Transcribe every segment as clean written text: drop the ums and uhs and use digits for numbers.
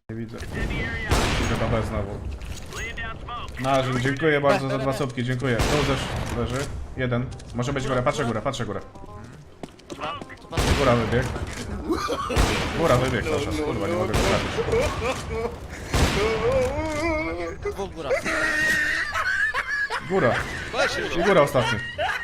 Nie widzę. Idę do B znowu. Narzyn, dziękuję bardzo za 2 słupki, dziękuję. Tu też leży. Jeden. Może być góra, patrzę górę, patrzę górę. Góra wybieg. Góra wybieg, proszę. Kurwa, nie mogę go trafić. Dwóch góra. Góra. I góra ostatni.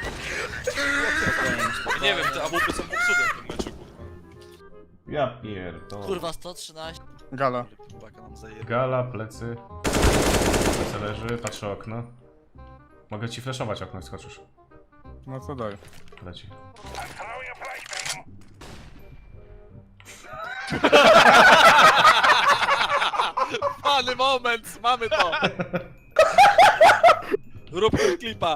Nie wiem, te AWP są popsute w tym meczu, kurwa. Ja pierdolę. Kurwa, 113. Gala. Baka nam zajebie. Gala, plecy. Plecy leży, patrzę okno. Mogę ci flashować okno, jak skoczysz. No co daj. Leci. Fany moment, mamy to! Rób ten klipa.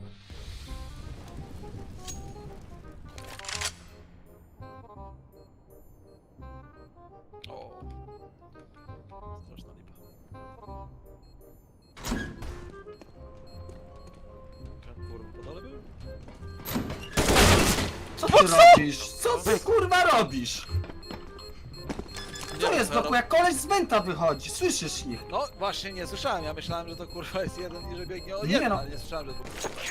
O. Straszna lipa. Kurwa, po dole był? Co ty robisz? Co ty kurwa robisz? Co jest doku? Jak koleś z Wenta wychodzi, słyszysz ich? No właśnie nie słyszałem, ja myślałem, że to kurwa jest jeden i że biegnie o Nie jeden, no. ale nie słyszałem, że to...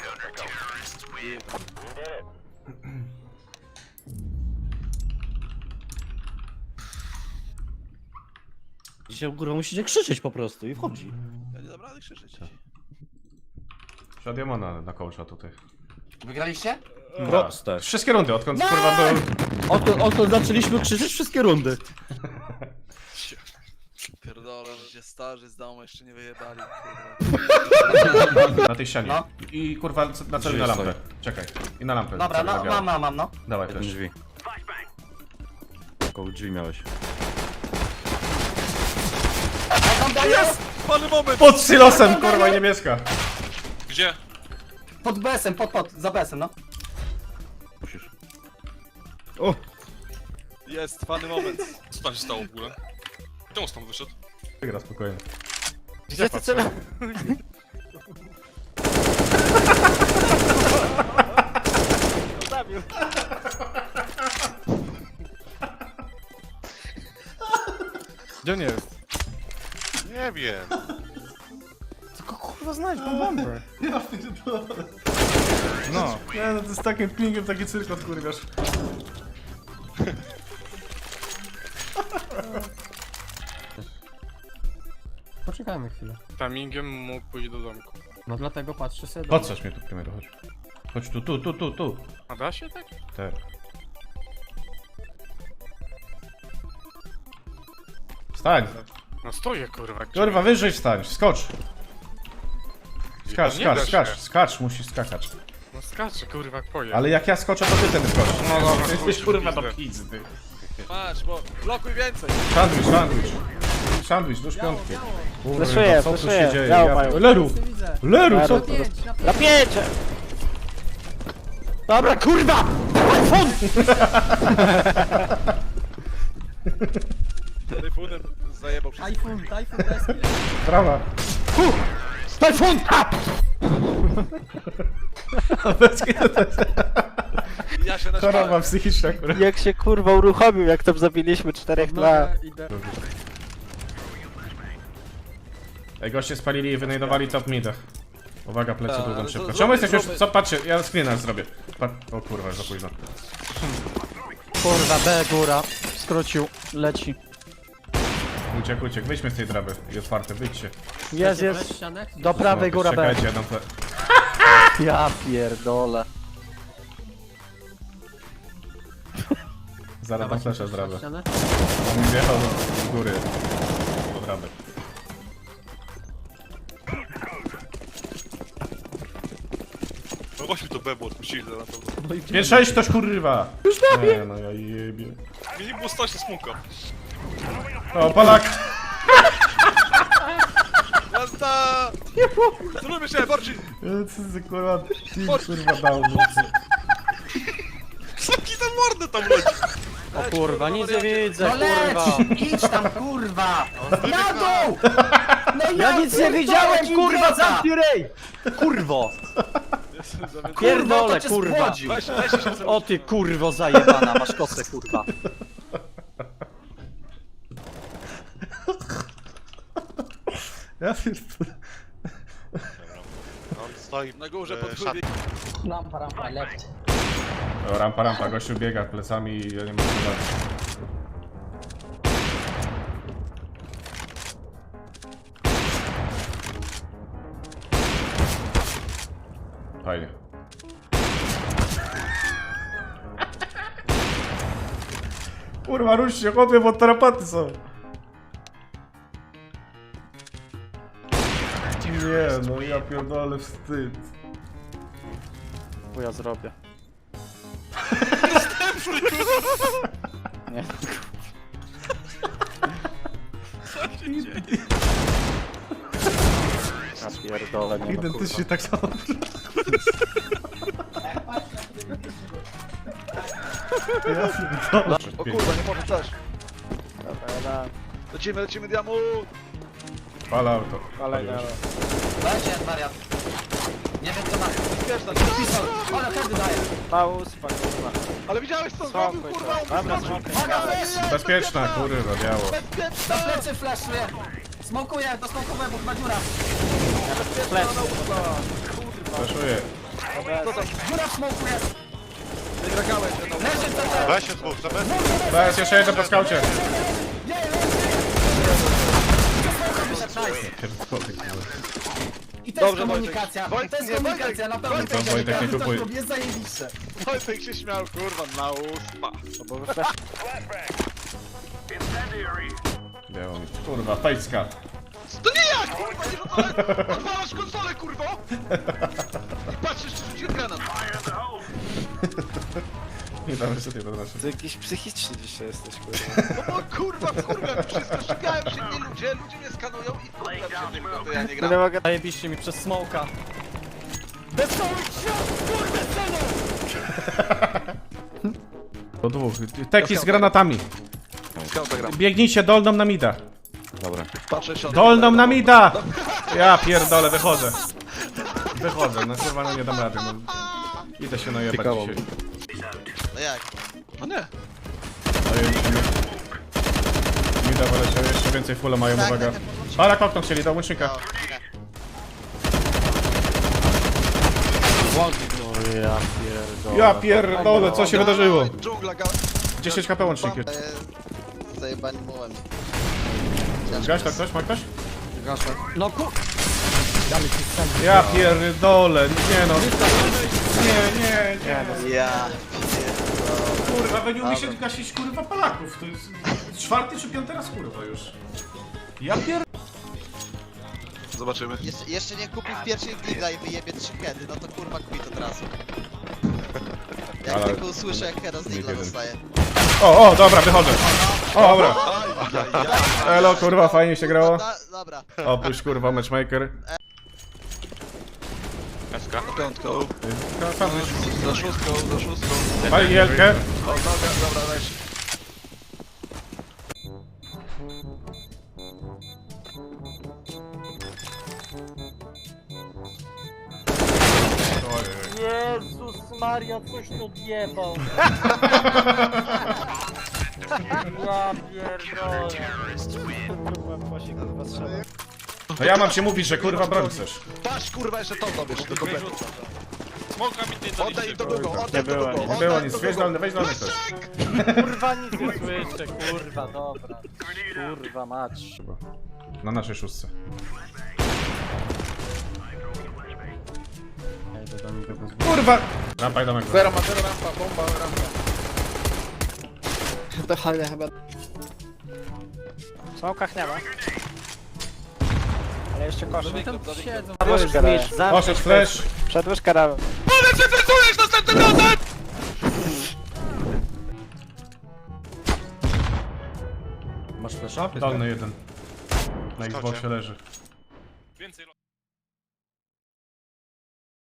Dzisiaj kurwa musicie krzyczeć po prostu i wchodzi. Ja nie dam rady krzyczeć. Przed Jamona na kołcza tutaj. Wygraliście? Proste. Wszystkie rundy, odkąd kurwa był... Odkąd zaczęliśmy krzyczeć wszystkie rundy. Pierdolę, że się starzy z domu jeszcze nie wyjebali, kurwa. Na tej ścianie. No. I kurwa na celu na lampę. Czekaj. I na lampę. Dobra, Celu na no, białą. mam, no. Dawaj Jeden też. drzwi. Koło drzwi miałeś. Jest! Pany moment! Pod silosem, kurwa, i niebieska. Gdzie? Pod BS-em, za BS-em, no. Musisz. O! Jest, fany moment. Co tam się stało w ogóle? Czemu stąd wyszedł? Wygra spokojnie. Gdzie ty cel? Zabił. Gdzie on jest? Nie wiem. Tylko kurwa znajdź tą bombę. Ja pierdolę. No. Nie no, to jest takim pingiem taki cyrkot, kurwiasz. Poczekajmy chwilę. Timingiem mógł pójść do domku. No dlatego patrzę sobie do... Podsadź mnie tu, Kamiero, chodź. Chodź tu. A da się tak? Tak. Wstań! No stoję kurwa. Kurwa, wyżej wstań, skocz! Skacz, Nie da skacz, się. skacz, musisz skakać. No skaczę kurwa jak pojem. Ale jak ja skoczę, to ty ten skoczysz. No dobra, Jesteś chuj, kurwa do pizdę. pizdy. Patrz, bo blokuj więcej. Sandwich, do szpiątki. Fleszuję, Co tu się fleszuję. dzieje? Biało Ja... mają. Leru! Leru, co? Na pięcie! Dobra, kurwa! Tyfunem zajebał wszystko. Tajfun deski. Prawa. Tajfun! Ja się Choroba naśmiałem. psychiczna, kurwa. Jak się kurwa uruchomił, jak tam zabiliśmy 4 na... Ej, goście spalili i wynajdowali top midach. Uwaga, plecy Tak, długo ale szybko. to Czemu jesteś już... zróbmy- Co, patrzcie, ja screena zrobię. O kurwa, za późno. Kurwa, B góra. Skrócił. Leci. Uciekł, wyjdźmy z tej draby. I otwarte, wyjdźcie. Jest. Do prawej góra B. Czekajcie, jedną ple... Ja pierdolę. Zaraz tam fleszę z draby. On wjechał z góry. Do draby. No właśnie to bebo odpuścili na pewno. 5-6 ktoś kurwa! Już nie, no ja jebie. Mnie nie było stać na smoka. O, Polak! Jazda! Zróbmy się, bardziej! Co za kurwa, team kurwa dał. Smoki za mordę tam leci! O kurwa, nic nie widzę, No kurwa. leć! Idź tam kurwa! Na dół! No Ja nic nie widziałem, kurwa, zamknij rej! Kurwo! Pierdolę, kurwa! Weź się O ty kurwo zajebana, masz kosę, kurwa. Ja pierdolę. On stoi Na górze w pod szatni. O, rampa, gościu biega plecami i ja nie mogę zobaczyć. Fajnie. Kurwa, rusz się, chłopie, bo tarapaty są. Nie, no ja pierdolę, wstyd. Bo ja zrobię. Nie. Ja pierdolę, nie no, Identycznie tak samo. Ja pierdolę. O kurwa, nie może też. kurwa. Lecimy, diamu! Fal auto. Ale nie, Dajcie, wariat. Nie wiem co ma. Wiesz, na pisał. Ale kiedy daje? Pauz, kurwa. Ale widziałeś co zrobił, Spokój, kurwa? to. Dobra, spokój. Bezpieczna, kurwa, biało. Do plecy flashuje. Smokuję, do smokuję, bo chyba dziura. Flaszuję. Dziura w smoku jest. Wygrakałeś, no. Leży CT. Weź się dwóch, to bez... Teraz jeszcze jeden po skaucie. I to jest Dobrze, komunikacja. Wojtek. To jest Wojtek, komunikacja, nie, na pewno. To Wojtek nie kupuje. Jest zajebiście. Wojtek się śmiał, kurwa, na uspa. Bo wy flash... Biało mi. Kurwa, fejska. To nie ja, kurwa, nie rzucałem! Odwalasz konsolę, kurwo! I patrzysz, czy rzuciłem granat. Nie damy sobie do naszego. Ty jakiś psychiczny dzisiaj jesteś, kurwa. No bo kurwa, wszystko, szukają się mnie ludzie mnie skanują i kurwa się tylko, to ja nie No gram. nie mogę... Zajebiście mi przez smoka. Do dwóch. Teki z granatami. Skauta gram. Biegnijcie dolną na mida. Patrzę się. Dolną na mida! Ja pierdolę, wychodzę. Wychodzę, no kurwa, no nie dam rady. No. Idę się najebać dzisiaj. No jak? No nie. Mida wyleciał, jeszcze więcej fulla mają, uwaga. Balak okno chcieli, do łącznika. Ja pierdolę. Ja pierdolę, co się wydarzyło? Dżungla, 10 HP łącznik. Zajebani mułem. Gaś to ktoś? Ma ktoś? No ku... Ja pierdolę, nie no. Nie. Ja. Kurwa, wy nie umiecie gasić kurwa Polaków. To jest 4. czy 5. raz kurwa już. Ja pier... Zobaczymy. Jeszcze nie kupił w pierwszej gilda i wyjebie 3 heady, no to kurwa quit od razu. Jak Ale- tylko usłyszę jak heada z digla jeden. dostaje. O, dobra, wychodzę. O, dobra. Elo, kurwa, fajnie się grało. Dobra. Opuść kurwa matchmaker. SK. Na piątką. Za szóstką. Pali jelkę. O, dobra, weź. Jezus Maria, coś tu odjebał. Ja pierdolę. No ja mam ci mówić, że kurwa broń chcesz. Patrz, kurwa, jeszcze to dobierz do kompletu. Smoka mi nie Oddaj im to drugą, oddaj to drugą. Nie było nic, weź dolny ktoś. Kurwa nic nie słyszę, kurwa, dobra. Kurwa mać. Na naszej szóstce. Kurwa! Rampa i domek. Zero ma zero rampa, bomba, rampa. To halne chyba. W smokach nie ma. Ale jeszcze koszy. Siedzą. Przedłużkę dałem. Poszedł flash. Przedłużkę dałem. Masz flasha? Dolny jeden. Na Xboxie leży.